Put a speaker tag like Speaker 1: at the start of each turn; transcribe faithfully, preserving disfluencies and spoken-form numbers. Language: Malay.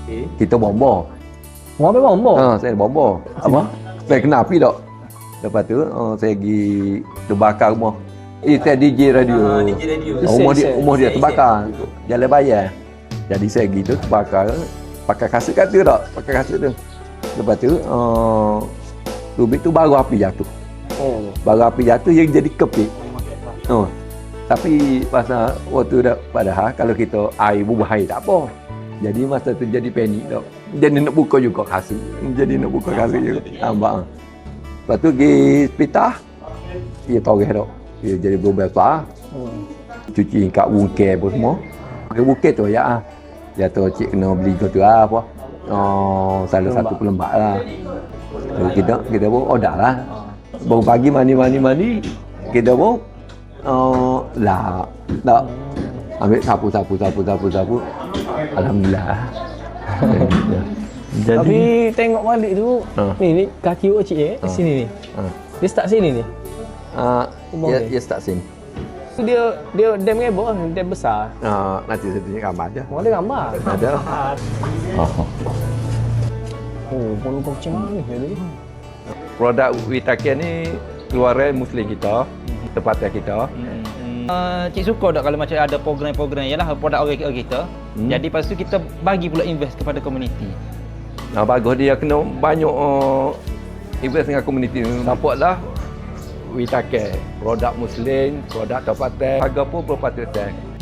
Speaker 1: Okay.
Speaker 2: Kita bomba.
Speaker 1: Mau ambil bomba?
Speaker 2: Ha, saya bomba. Apa? Saya kena api tak? Lepas tu uh, saya pergi terbakar rumah. Eh, saya D J radio.
Speaker 3: Ah, D J radio.
Speaker 2: Rumah dia,
Speaker 1: Isen,
Speaker 2: rumah dia
Speaker 3: isen.
Speaker 2: terbakar. Jalan bayar. Jadi saya pergi tu terbakar. Pakai kasut kata tak? Pakai kasut tu. Lepas tu, uh, rubik tu baru api jatuh.
Speaker 1: Oh.
Speaker 2: Baru api jatuh, yang jadi kepik. Oh. Tapi pasal waktu dah, padahal kalau kita air bubuh air tak apa. Jadi masa tu jadi panik tak. Jadi nak buka juga kasut. Jadi nak buka kasut juga. Nampak. Lepas tu pergi hospital. Dia toreh tak. Dia jadi berubah besar.
Speaker 1: Hmm.
Speaker 2: Cuci kat bungkir apa semua. Pakai bungkir tu ya. ah. Dia tu cik kena beli tu lah apa. Oh, salah
Speaker 1: Pelembak.
Speaker 2: satu pelembak lah. Jadi kita kita pun order lah. Baru pagi mandi mandi mandi. Kita pun uh, lah tak ambil sapu sapu sapu sapu sapu. Alhamdulillah. Jadi
Speaker 1: Tapi tengok balik tu,
Speaker 2: Ha.
Speaker 1: ni ni kaki awak cik eh,
Speaker 2: Ha.
Speaker 1: sini ni.
Speaker 2: ha,
Speaker 1: Dia start sini ni.
Speaker 2: uh,
Speaker 1: Kubang
Speaker 2: dia,
Speaker 1: ni.
Speaker 2: dia start sini.
Speaker 1: Tu dia dia dam rebel, dam besar.
Speaker 2: Uh, nanti saya tunjuk gambar dia.
Speaker 1: Mau ada gambar.
Speaker 2: Ada. Oh.
Speaker 1: Oh, pun kau macam mana ni tadi?
Speaker 2: Produk Witake ni keluaran Muslim kita, tempatan kita.
Speaker 3: Uh, cik suka tak kalau macam ada program-program ialah produk orang kita.
Speaker 2: Hmm.
Speaker 3: Jadi lepas tu kita bagi pula invest kepada komuniti.
Speaker 2: Nah, bagus dia kena banyak uh, invest dengan komuniti. Supportlah Witake, produk Muslim, produk tempatan. Harga pun berapa persen.